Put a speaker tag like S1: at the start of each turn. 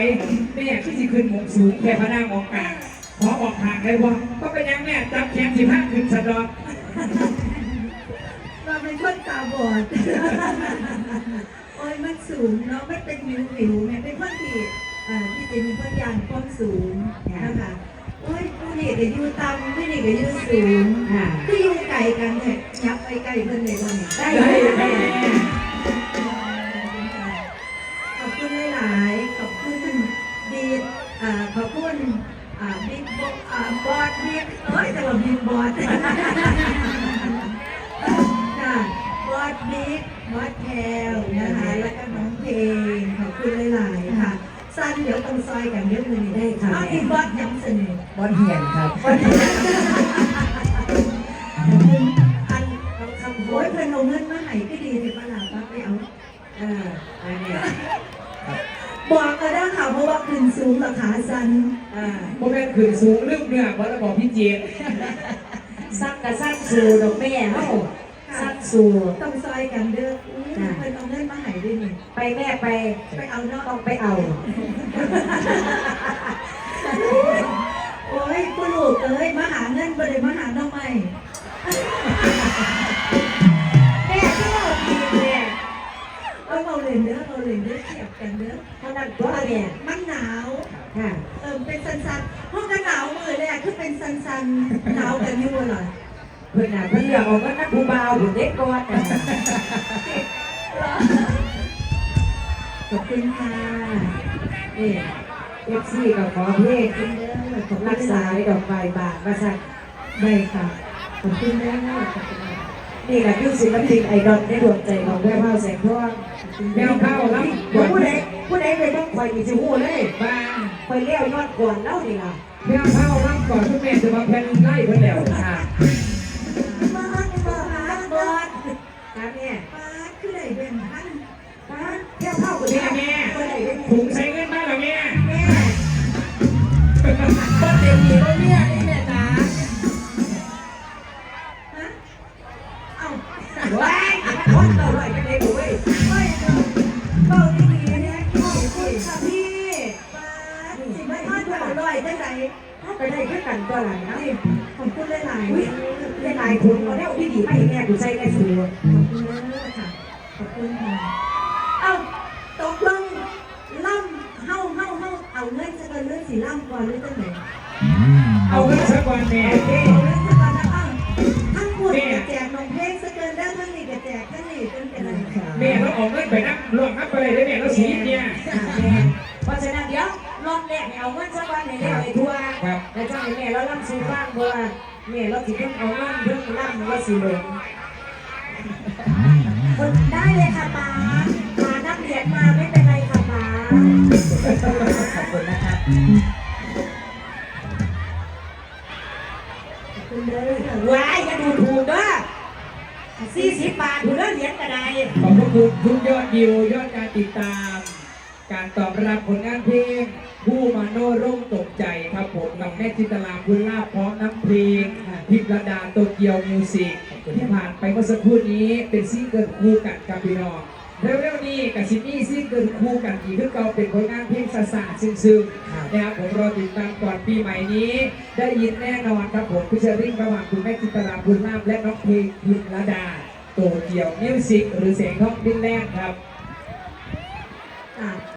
S1: แม่ที่สิขึ้นหมงสูงแค่พระนางมองกลางขอบอกทางเลยว่าก็เป็นยังแม่จับแขน15ขึ้นสะดอก
S2: เราเป็นคนตาบอดโอ้ยมันสูงเนาะไม่เป็นวิวแม่เป็นคนที่ที่จะมีคนยานความสูงนะคะโอ้ยผู้นี่ก็อยู่ต่ำผู้นี่ก็อยู่สูงคืออยู่ไกลกันเนี่ยยับไปไกลเพื่อนเลยวันนี้ได้ขอบคุณหลายๆขอบคุณดีขอบคุณบิ๊กบอสบิ๊กแต่ว่าบิ๊กบอสค่ะบอสบิ๊กบอสแพลนะคะแล้วก็น้องเพลงขอบคุณหลายๆค่ะสั้นเดี๋ยวต้องซอยกันเดี๋ยวมือนี้ได้ค่ะที่บอสย้ำเสนอบอสเหียนครับบอสเหียนอันคำโวยเพื่อนเอาเงินมาให้ก็ดีเลยป้าหลาป้าไปเอาอันนี้บอกก็ได้ค่ะเพราะว่าขึ้นสูงราคาสั้น
S1: โมเมนต์ขึ้นสูงเรื่องเนี่ยวันละบอกพี่เจี๊ยบ
S3: สั้นกับสั้นสูดอกแม่เฮ้าสั้นสู
S2: ต้องซอยกันเด้อเพื่อนเอาเงินมาให้ด้วยนี่
S3: ไปแม่ไป
S2: เอาเนาะ
S3: ต้องไปเอา
S2: โอ้ยคุณลูกเอ้ยมาหาเงินบ่ได้มาหาน้องใหม่
S3: แม่ก็เอาดีแม่
S2: เราเล่นเด้อเทียบกันเด้อ
S3: เท่านั้นตัวแม่
S2: มันหนาวเป็นสันๆห้องกันหนาวมือแรกคือเป็นสันๆหนาวกันอยู่เหรอ
S3: เพื่อนเพื่อนเลือกเอาก็นักผู้บ่าวผู้เด็กก่อน
S2: ขอบคุณค่ะ
S3: นี่FCกับขอเพลงของรักษาดอกไฟบาทมาสั่ง
S2: ได้ค่ะขอบคุณแม่
S3: นี่แหละคือศิลปินไอดอลในดวงใจของแม่เผาแสงทอง
S1: แมวเข้าแล้ว
S3: ผู้ใดไปต้องคอยมีจิ๋วเลย
S1: บ้า
S3: คอยเลี้ยวยอดก่อนแล้วนี่ล่ะ
S1: แมวเข้าแล้วก่อนทุกแม่จะมาแผ่นไล่เพื่อนแล้วค่ะ
S2: มาบอส
S3: นะแม่
S2: ป้าคือไหนเป็นท่าน
S3: ป้าแค่เผากับ
S1: แม่ถุงใช้เงินมาหรอแม่
S3: ก็เต็มที่แล้วเนี่ยนี่แม่จ๋าว้ายคนต่อไปเป็นเด็กเว้ย
S2: ไม่เบาดีๆเนี่ยขอบคุณค่ะพี่ป้าสิไม่ทอดเบาลอยได้ไหน
S3: ไปได้แค่กันตัวหลังนะ
S2: ขอบคุณหลาย
S3: ๆหลายคนเอาแล้วพี่ดีไม่แม่กูใช้ได้สูง
S2: ขอบคุณเลยค่ะขอบคุณค่ะเอ้าตกลงล่ำเฮาเอาเงินจะเป็นเรื่องสีล่ำก่อนหรือจะไหน
S1: เอาเงินสักวันแม่
S2: เอาเงินสักวันนะทั้งหมดแจกนมเพลงสเกินได้ทั้งนี้ก็แจกทั้งนี้จนเป็นอะไร
S1: แม่เราออกเงินไปนับรวมนับไปเลยได้แม่เราสีเนี่ย
S3: เพราะฉะนั้นเดี๋ยวรอบแรกเอาเงินสักวันให้ได้ทัวร์แล้วจ้างแม่เราล่ำสูบ้างเพราะว่าแม่เราสิเพิ่งเอาเงินเพิ่งล่ำว่าสิหลงคนได้เลยค่ะป้านักเรียนมาไม่เป็นไรค่ะป้าขอบคุณนะครับ
S2: คุณเลย
S3: ว้ายอย่าดูถูกด้วย40 บาทถูกแล้วเหรียญกระได
S1: ขอบคุณทุกยอดวิวยอดการติดตามการตอบรับผลงานเพลงผู้มาโนร่มตกใจครับผมกับแม่จินตลาบุญลาภพร้อมน้ำเพลงพิมระดาโตเกียวมิวสิกที่ผ่านไปเมื่อสักครู่นี้เป็นซิงเกิลคู่กันกับพี่น้องเร็วๆนี้กับซินี่ซิงเกิลคู่กันอีกคือเก่าเป็นผลงานเพลงสะๆซึ้งๆนะครับผมรอติดตามก่อนปีใหม่นี้ได้ยินแน่นอนครับผมพิเชอริ่งระหว่างคุณแม่จินตลาบุญลาภและน้องเพลงพิมระดาโตเกียวมิวสิกหรือเสียงทองดินแรกครับ